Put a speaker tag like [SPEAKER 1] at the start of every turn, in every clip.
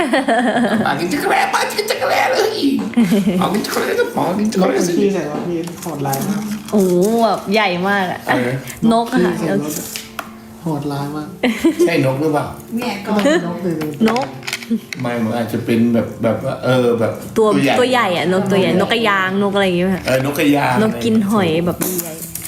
[SPEAKER 1] ปากินจักรแล้ปากินจักรแล้เลยเอากินจักรแล้ก็พอกินจักร
[SPEAKER 2] แล้ว
[SPEAKER 1] แล้
[SPEAKER 2] คน
[SPEAKER 1] สิ
[SPEAKER 2] ที่ใส่รถพี่โหดร้ายมาก
[SPEAKER 3] โอ้โหแบบใหญ่มากอะนกอะค่ะ
[SPEAKER 2] ที่ใส่รถโหดร้ายมาก
[SPEAKER 1] ใช่นกหรือเปล่า
[SPEAKER 4] เนี่ยก็
[SPEAKER 2] ก็นกเลย
[SPEAKER 3] นก
[SPEAKER 1] ไม่มันอาจจะเป็นแบบว่าแบบ
[SPEAKER 3] ตัวใหญ่อะนกตัวใหญ่นกกระยางนกอะไรอย่างเงี้ยค่ะ
[SPEAKER 1] นกกระยาง
[SPEAKER 3] นกกินหอยแบบใหญ่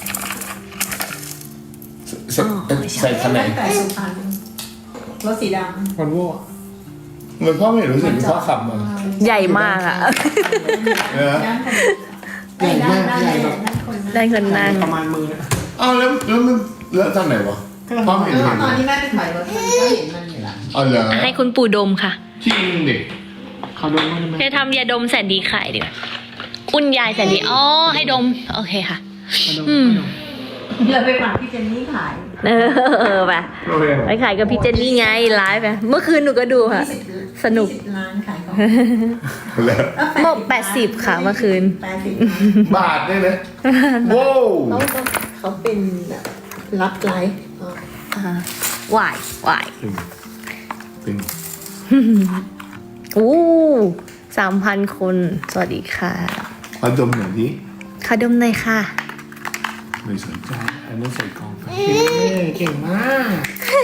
[SPEAKER 1] ใส่ขนาด
[SPEAKER 4] ตั้งแต่สุพรรณรถสีด
[SPEAKER 2] คนโว้
[SPEAKER 1] มันพ่อไม่รู้สึกพ่อขับมา
[SPEAKER 3] ใหญ่มากอะ
[SPEAKER 1] เออ
[SPEAKER 4] ำด้านคนด้านคน
[SPEAKER 3] ได้คนนั่ง
[SPEAKER 2] ประมาณมือนะ
[SPEAKER 1] อ้าวแล้วตอนไหนวะพ่อไม่เห็น
[SPEAKER 4] ตอนที่แม่ไปถอยรถมันก็เห็นมันอยู่ละ
[SPEAKER 1] อ๋อเหรอ
[SPEAKER 3] ให้คุณปู่ดมค่ะ
[SPEAKER 1] จริงดิ
[SPEAKER 2] เขาโดนมั้ย
[SPEAKER 3] จะทำยาดมแสนดีขายดีกว่าคุณยายแสนดีอ๋อให้ดมโอเคค่ะ
[SPEAKER 4] เราไปฝากพี่เจนนี่ขาย
[SPEAKER 3] ไป
[SPEAKER 1] โอเค
[SPEAKER 3] ไปขายกับพี่เจนนี่ไงไลฟ์ไปเมื่อคืนหนูก็ดูค่ะ สนุก
[SPEAKER 4] 20 ล้านขายของ
[SPEAKER 1] แล้ว
[SPEAKER 3] หมด80ค่ะเมื่อคืน
[SPEAKER 4] 80
[SPEAKER 1] บาทได้ไหมว้าว
[SPEAKER 4] เขาเป็นแบบรับไลฟ์
[SPEAKER 3] วายวาย
[SPEAKER 1] เป็น
[SPEAKER 3] อู้3,000 คน สวัสดีค่ะ
[SPEAKER 1] ขอดมหน่อยดิ
[SPEAKER 3] ขอดมหน่อยค่ะ
[SPEAKER 1] ไม่สนใจอันนี้ใส่กล่องไป
[SPEAKER 2] เก่งมาก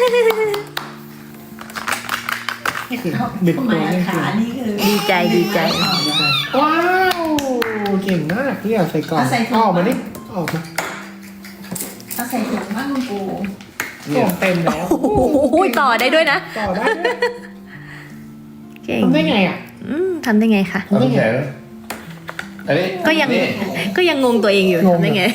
[SPEAKER 2] นี่คือเด็ก
[SPEAKER 4] ทำไม
[SPEAKER 2] ตัวนี่คื
[SPEAKER 4] ขา
[SPEAKER 2] อ
[SPEAKER 4] นี่คือ
[SPEAKER 3] ดีใจดีใจ
[SPEAKER 2] ว้าวเก่งมากที่อยากใส่กล่องออกมาดิออกมา
[SPEAKER 4] เขาใส่ถุงบ้างคุณปู่
[SPEAKER 2] กล่องเต็มแล้ว
[SPEAKER 3] โอ้โหต่อได้ด้วยนะ
[SPEAKER 2] ต่อได้ด้วย
[SPEAKER 3] เก่ง
[SPEAKER 2] ทำได้ไงอ่ะ
[SPEAKER 3] ทำได้ไงคะ
[SPEAKER 1] เอาแขนอันนี้
[SPEAKER 3] ก็ยังงงตัวเองอยู่ทำได้ไง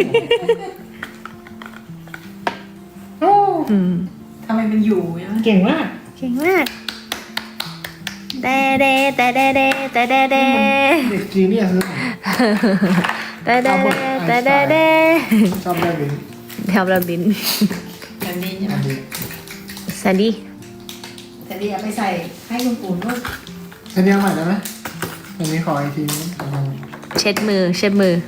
[SPEAKER 2] โอ้
[SPEAKER 4] ทำไมมันอยู่เนี่ย
[SPEAKER 2] เก่งมาก
[SPEAKER 3] เก่งมากแต่เดแต่เดเดแต่เดเด
[SPEAKER 2] เด็กจีเนี่ยคือ
[SPEAKER 3] แต่เดแต่เดเด
[SPEAKER 2] ชอบได้บิน
[SPEAKER 3] แถวระบิน
[SPEAKER 4] แบบนี้ใช่ไหม
[SPEAKER 3] สวัสดี
[SPEAKER 4] แต่เดี๋ยวไปใส่ให้คุณปู่ด้วย
[SPEAKER 2] ใช้เดียวใหม่ได้ไหมอันนี้ขออีกทีนึง
[SPEAKER 3] เช็ดมือเช็ดมือ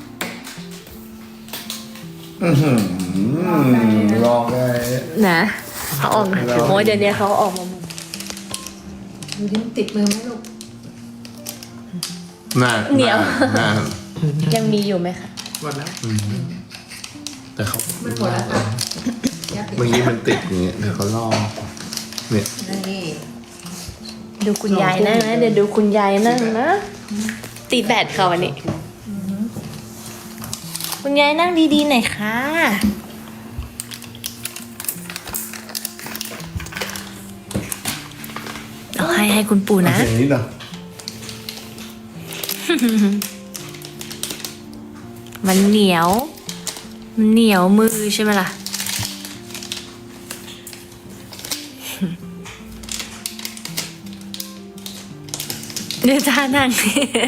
[SPEAKER 1] ลองได้
[SPEAKER 3] นะเขาออกมาโอ้ยเดี๋ยวนี้เขาออกมาหมด
[SPEAKER 4] ดูดิติดมือไหมลูก
[SPEAKER 1] น่า
[SPEAKER 3] ยังมีอยู่ไหมคะ
[SPEAKER 2] หมดแล้ว
[SPEAKER 1] แต่เขา
[SPEAKER 4] มันหมดแล้วค่ะยับติด
[SPEAKER 1] เมื่อกี้มันติดอย่างเงี้ยเดี๋ยวเขาลองเนี่ย
[SPEAKER 4] นี่
[SPEAKER 3] ดูคุณยายนั่งนะเดี๋ยวดูคุณยายนั่งนะตีแบตค่ะวันนี้ คุณยายนั่งดีๆหน่อยค่ะเอาให้คุณปู่นะ
[SPEAKER 1] อย่างนี้เหรอ
[SPEAKER 3] มันเหนียวมือใช่ไหมล่ะ เดี๋ยวจ้านั่ง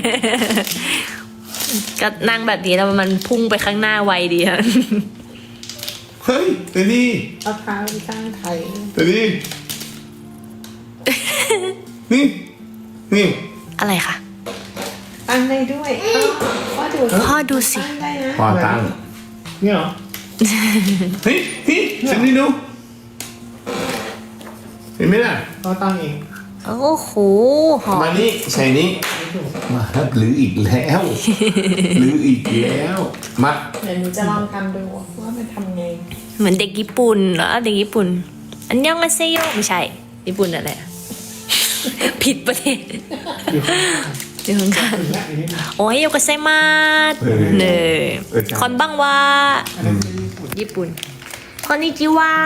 [SPEAKER 3] ก็นั่งแบบนี้แล้วมันพุ่งไปข้างหน้าไวดีอะ
[SPEAKER 1] เฮ้ยเดี๋ยวนี้
[SPEAKER 4] เอาเท้าตั้งไข่
[SPEAKER 1] เดี๋ยวนี้นี่นี่
[SPEAKER 3] อะไรคะ
[SPEAKER 4] ตั้งได้ด้วยพ่อดู
[SPEAKER 3] พ่อดูสิ
[SPEAKER 4] ตั้งได้นะ
[SPEAKER 1] พอตั้ง
[SPEAKER 2] เนี่ยเหรอ
[SPEAKER 1] เฮ้ยฉันนี่ดูเห็นไหมล่ะ
[SPEAKER 2] ก็ตั้งเอง
[SPEAKER 3] โอ้โหหอม
[SPEAKER 1] มานี่ใส่นี้มาหรืออีกแล้วหรืออีกแล้วมา
[SPEAKER 4] เดี๋ยวหนูจะลองทำดูว่ามันทำไง
[SPEAKER 3] เหมือนเด็กญี่ปุ่นเหรอเด็กญี่ปุ่น อันยองอาเซโยไม่ใช่ ญี่ปุ่นอะไรอะ ผิดประเทศ
[SPEAKER 2] อยู่ข้าง
[SPEAKER 3] อยู่ข้าง
[SPEAKER 2] ถึงแล้วอีกนิดนึง
[SPEAKER 3] ๆโอ้ยโยกาไซมาสเนยคอนบังวา
[SPEAKER 2] อันนั้นคือญี่ปุ่น
[SPEAKER 3] ญี่ปุ่นคอนนิจิวะ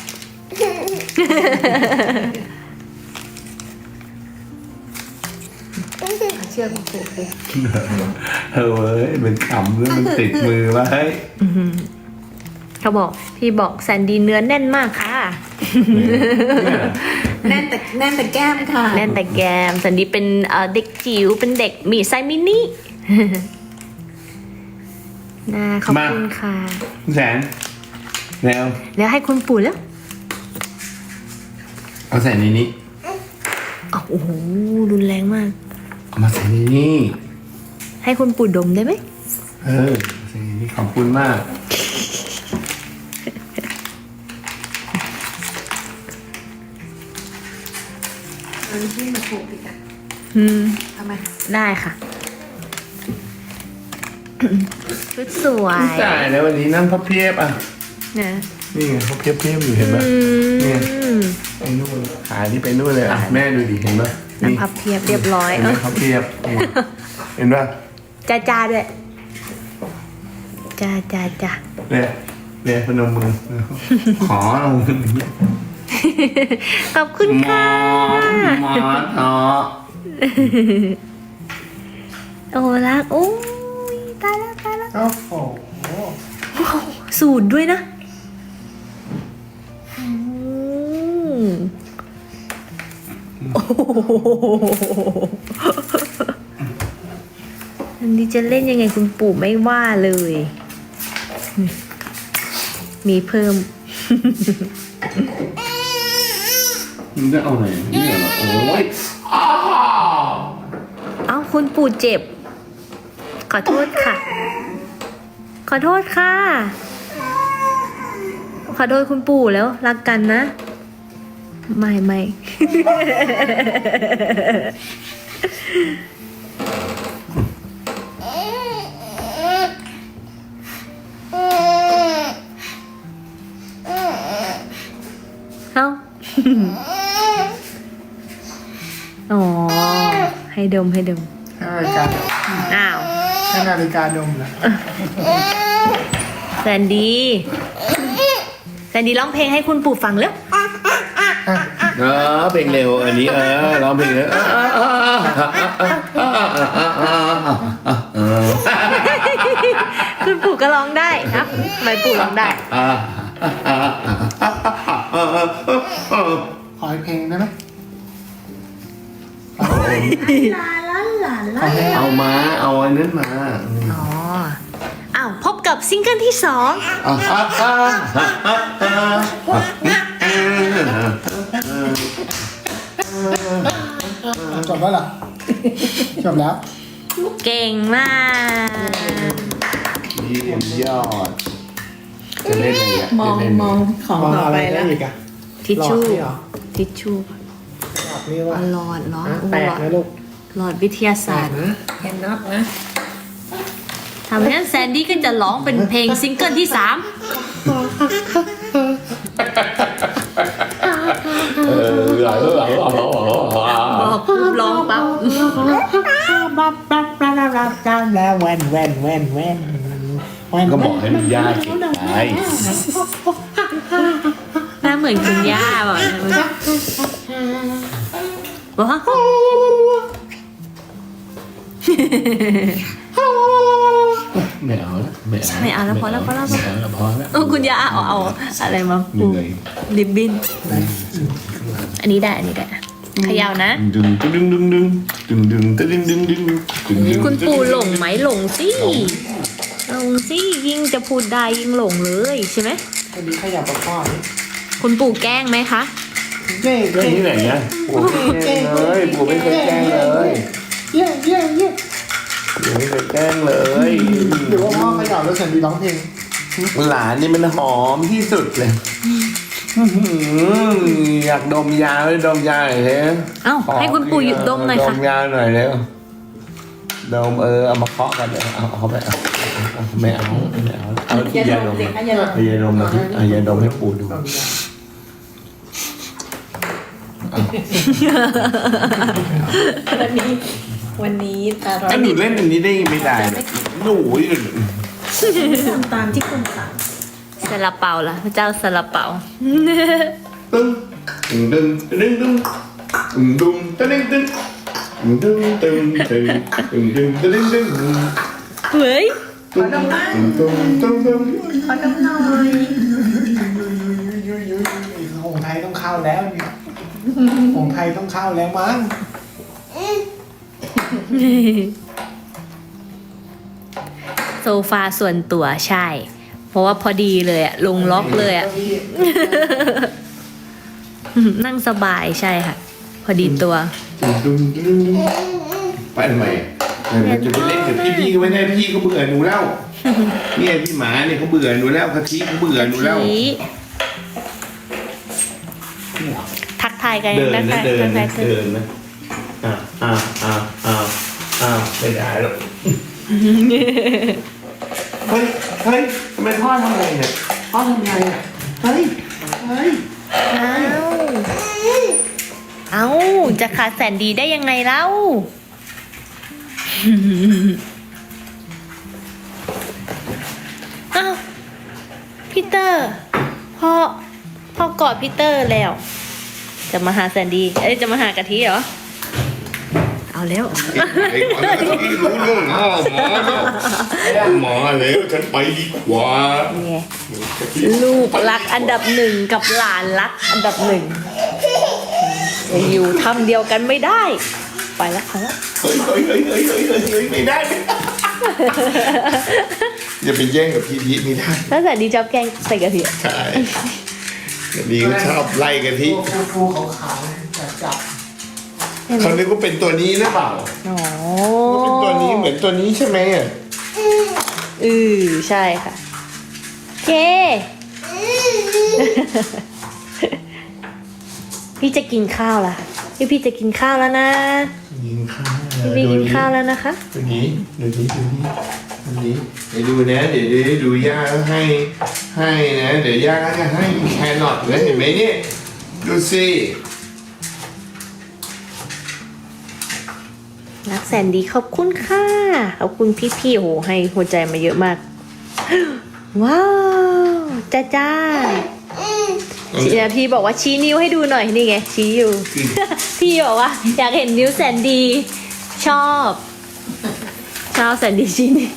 [SPEAKER 4] เชื่อคุณปู่สิ
[SPEAKER 1] เฮ้ยมันขำแล้วมันติดมือไว้
[SPEAKER 3] เขาบอกพี่บอกแซนดี้เนื้อแน่นมากค่ะ
[SPEAKER 4] แน่นแต่แก้มค่ะ
[SPEAKER 3] แน่นแต่แกมแซนดี้เป็นเด็กจิ๋วเป็นเด็กมีไซส์มินิ น่าขอบคุณค่ะ
[SPEAKER 1] แสนแนว
[SPEAKER 3] แล้วให้คุณปู่แล้ว
[SPEAKER 1] เอาใส่ในนี้
[SPEAKER 3] อ้าวโอ้โหรุนแรงมาก
[SPEAKER 1] เอามาใส่ในนี้
[SPEAKER 3] ให้คุณปู่ดมได้ไหม
[SPEAKER 1] ใส่ในนี้ขอบคุณมาก
[SPEAKER 4] อันที่มาผูกอีกอ่ะ
[SPEAKER 3] อืม
[SPEAKER 4] ทำไม
[SPEAKER 3] ได้ค่ะ ชุดสวย
[SPEAKER 1] จ่ายแล้ววันนี้นั่งพับเพียบอ่ะ
[SPEAKER 3] นะ
[SPEAKER 1] นี่ไงพับเพียบอยู่เห็นไหม เนี่ย ไปนู่นขาที่ไปนู่นเลยอ่ะแม่ดูดิเห็นไหม
[SPEAKER 3] นั่งพับเพียบเรียบร้อย
[SPEAKER 1] เห็นไหมพับเพียบเห็นป่ะ
[SPEAKER 3] จ้าด้วยจ้า
[SPEAKER 1] เนี่ยพนมมือขอลง
[SPEAKER 3] ขอบคุณค่ะ
[SPEAKER 1] หมอต่อ
[SPEAKER 3] โอ้รักโอ้ยตายแล้ว
[SPEAKER 2] โอ้โห
[SPEAKER 3] สูตรด้วยนะโอ้โหอันนี้จะเล่นยังไงคุณปู่ไม่ว่าเลย มีเพิ่ม
[SPEAKER 1] มันจะเอาไหนนี่เหรอโอ้ยอ้าว
[SPEAKER 3] เอ้าคุณปู่เจ็บ ขอโทษค่ะ ขอโทษค่ะ ขอโทษคุณปู่แล้วรักกันนะ ไม่ เอ้า อ๋อ ให้ดม
[SPEAKER 2] ให้นาฬิกา
[SPEAKER 3] อ้าว
[SPEAKER 2] ให้นาฬิกาดมเหรอ
[SPEAKER 3] แซนดี้ร้องเพลงให้คุณปู่ฟังแล้ว
[SPEAKER 1] เพลงเร็วอันนี้ร้องเพลงเร็ว
[SPEAKER 3] คุณปู่ก็ร้องได้ครับทำไมปู่ร้องได้
[SPEAKER 2] ขออีกเพลงได้ไหม
[SPEAKER 4] ลาลาลาลา
[SPEAKER 1] เอามาเอาอันนั้นมา
[SPEAKER 3] อ๋อ อ้าว พบกับซิงเกิลที่
[SPEAKER 2] จบแล้วเหรอ จบแล้ว
[SPEAKER 3] 2 เก่งมาก
[SPEAKER 1] เยี่ยมยอดจะเล่นอะไรอ่ะ
[SPEAKER 4] มองของ
[SPEAKER 2] มอง
[SPEAKER 4] ต่อ
[SPEAKER 2] อะไร
[SPEAKER 4] ไป
[SPEAKER 2] ได้
[SPEAKER 4] แล้ว
[SPEAKER 2] อีกอะ
[SPEAKER 3] ทิชชู่
[SPEAKER 2] หลอดนี่เหรอ
[SPEAKER 3] ทิชชู่
[SPEAKER 2] หลอดนี่ว่า
[SPEAKER 3] หลอดเหรอ
[SPEAKER 2] แตกนะลูก
[SPEAKER 3] หลอดวิทยาศาสตร์
[SPEAKER 4] แคนน็อตนะ
[SPEAKER 3] ทำให้แซนดี้ก็จะร้องเป็นเพลงซิงเกิลที่ 3 บอกปุ๊บร้องปั๊บ
[SPEAKER 2] แล้วแว่น
[SPEAKER 1] ก็บอกให้มันยากเก็บไป
[SPEAKER 3] หน้าเหมือนคุณย่าบอกบอกว่า
[SPEAKER 1] ไม่เอาแล้วไม่เอา
[SPEAKER 3] ไม่เอาแล้วพอแล้ว
[SPEAKER 1] ไม่เอาแล้วพอแล้ว
[SPEAKER 3] เออคุณย่าเอาอะไรมา
[SPEAKER 1] เหนื่อย
[SPEAKER 3] ริบบิ้น อันนี้ได้เขย่านะ
[SPEAKER 1] ดึงดึงดึงดึงดึงดึงดึงดึงดึงดึงดึงดึง
[SPEAKER 3] คุณปู่หลงไหมหลงสิยิ่งจะพูดได้ยิ่งหลงเลยใช่ไหม
[SPEAKER 2] วันนี้ขยับกับพ่อนี่
[SPEAKER 3] คุณปู่แกล้งไหมคะ
[SPEAKER 2] เย่
[SPEAKER 1] เรื่องนี้ไหนเนี่ยปู่ไม่เคยแกล้งเลยปู่ไม่เคยแกล้งเลย
[SPEAKER 2] เย่
[SPEAKER 1] ปู่ไม่เคยแกล้งเลย
[SPEAKER 2] หรือว่าพ่อขยับแล้วแซนดี้ร้องเพลง
[SPEAKER 1] หลานนี่มันหอมที่สุดเลยอยากดมยาเลยดมยาหน่อยเถอะ
[SPEAKER 3] เอ้าให้คุณปู่หยุดดมหน่อย
[SPEAKER 1] ด
[SPEAKER 3] ค่ะ
[SPEAKER 1] มยาหน่อยเร็วดมเอามาเคาะกันเลยเอาไปเอาไม่เอาเอาที่ยาดม
[SPEAKER 4] เด็กนะอย่าดม
[SPEAKER 1] เอายาดมมาที่เอายาดมให้ปู่ดู
[SPEAKER 4] วันนี้ตาเรา
[SPEAKER 1] ถ้าหนูเล่นอันนี้ได้ไม่ได้หนู
[SPEAKER 4] ทำตามที่คุณสั่ง
[SPEAKER 3] ซาลาเปาล่ะพระเจ้าซาลาเปา
[SPEAKER 1] ตึ้งตึ้งตึ้งตึ้งตึ้งตึ้งตึ้งตึ้งตึ้งตึ้งตึ้งตึ้งตึ้งตึ้งตึ้ง
[SPEAKER 3] เฮ้ย
[SPEAKER 1] ตึ้งตึ้งตึ้งตึ้ง
[SPEAKER 4] ขอดมหน่อย
[SPEAKER 2] หงไทยต้องเข้าแล้วเนี่ยหงไทยต้องเข้าแล้วมั้ง
[SPEAKER 3] โซฟาส่วนตัวใช่ เพราะว่าพอดีเลยอะลงล็อกเลยอะ นั่งสบายใช่ค่ะ พอดีตัว
[SPEAKER 1] ตึ้งตึ้งตึ้งไปทำไมจะไปเล่นกับพี่ก็ไม่ได้พี่ก็เบื่อหนูแล้วเนี่ยพี่หมาเนี่ยเขาเบื่อหนูแล้วกะทิเขาเบื่อหนูแล้ว
[SPEAKER 3] ทักทายกัน
[SPEAKER 1] เดินนะเดิน
[SPEAKER 3] ทั
[SPEAKER 1] นะ
[SPEAKER 3] กทาย
[SPEAKER 1] เดินนะไม่ได้หรอกเฮ้ยทำไมพ่อทำอะไรเนี่ยพ่อทำอะไรอ่ะเฮ้ย
[SPEAKER 3] เอาจะขาดแสนดีได้ยังไงเล่า อ้าวพีเตอร์พ่อกอดพีเตอร์แล้ว จะมาหาแสนดีจะมาหากะทิเหรอ เอาแล้ว
[SPEAKER 1] ไอ้ก่อนแล้วที่รู้เรื่องหมอแล้วฉันไปดีกว่า
[SPEAKER 3] ไงลูกรักอันดับหนึ่งกับหลานรักอันดับหนึ่งจะอยู่ทำเดียวกันไม่ได้ ไปแล้วไปแล้ว
[SPEAKER 1] เฮ้ยไม่ได้อย่าไปแย่งกับพี่พีไม่ได้
[SPEAKER 3] ถ้าแสนดีชอบแกงใส่กะทิ
[SPEAKER 1] ใช่เดี๋ยวนี้ก็ชอบไล่กะทิ
[SPEAKER 2] ฟูขาวๆจับ
[SPEAKER 1] เขานึกว่าเป็นตัวนี้หรือเปล่า
[SPEAKER 3] อ๋อ
[SPEAKER 1] เป็นตัวนี้เหมือนตัวนี้ใช่ไหมอ่ะ
[SPEAKER 3] ใช่ค่ะเค พี่จะกินข้าวละพี่จะกินข้าวแล้วนะ
[SPEAKER 1] ยิงข้าว
[SPEAKER 3] พี่กินข้าวแล้วนะคะ
[SPEAKER 1] ดูนี้ไปดูนะเดี๋ยวดูย่าให้นะเดี๋ยวย่าจะให้แครอทนะเห็นไหมเนี่ยดูสิ
[SPEAKER 3] รักแสนดีขอบคุณค่ะขอบคุณพี่ๆโหให้หัวใจมาเยอะมาก ว้าวจ้าพี่บอกว่าชี้นิ้วให้ดูหน่อยนี่ไงชี้อยู่ พี่บอกว่าอยากเห็นนิ้วแสนดี ชอบแสนดีชี้นิ้ว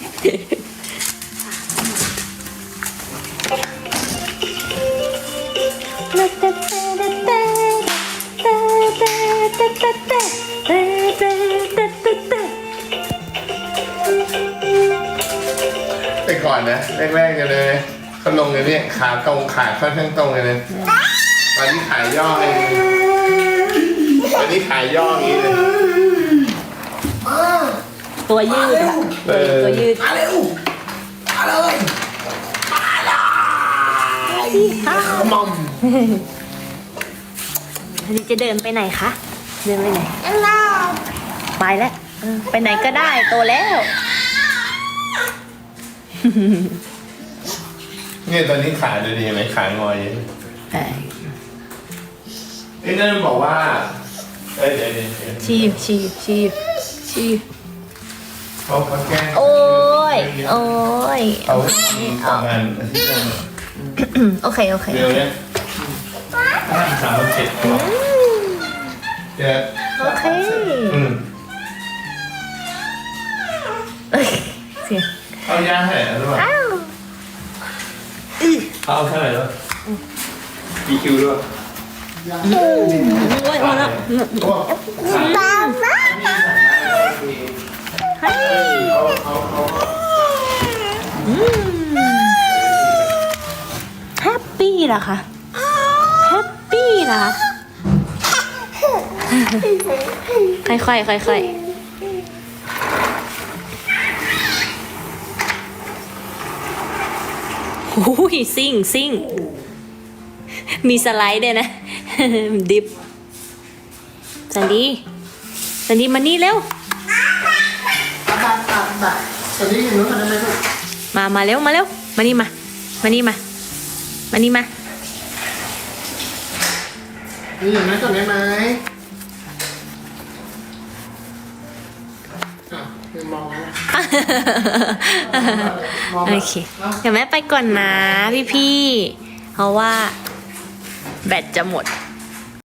[SPEAKER 1] แต่ก่อนนะแรกๆกันเลยเขาลงเลยเนี่ยขาตรงขาค่อนข้างตรงเลยนะตอนนี้ขายย่อเลยตอนนี้ขายย่ออย่างนี้เลย
[SPEAKER 3] ตัวยืดอะตัวยืด
[SPEAKER 2] มาเร็วมาเลยมอม
[SPEAKER 3] อันนี้จะเดินไปไหนคะเดินไปไหนไปแล้วไปไหนก็ได้โตแล้ว
[SPEAKER 1] เนี่ยตอนนี้ขาดูดีไหมขางอยอยู่ไอ้นั่นบอกว่าเดี๋ยว
[SPEAKER 3] ชี้
[SPEAKER 1] เขาแกล้ง
[SPEAKER 3] โอ้ย
[SPEAKER 1] เขาทำงานที่นั่น
[SPEAKER 3] โอเค
[SPEAKER 1] เร็วเนี่ย3:07เดี๋ยว
[SPEAKER 3] โอเคเสียง
[SPEAKER 1] เอายาให้หรือเปล่าเอาเท่าไหร่แล้วกี่คิวด้วย
[SPEAKER 3] โอ้ยแล้วแฮปปี้เหรอคะแฮปปี้เหรอค่อยโอ้ยซิ่งมีสไลด์ด้วยนะ ดิฟสันดีมานี่เร็ว
[SPEAKER 2] บัตรตอนนี้อยู่นู้นทำได้ไหมลูก
[SPEAKER 3] มาเร็วมานี่มา
[SPEAKER 2] นี่อย่างนั้นก่อนได้ไหมมองแล้ว
[SPEAKER 3] โอเคเดี๋ยวแม่ไปก่อนนะพี่เพราะว่าแบตจะหมด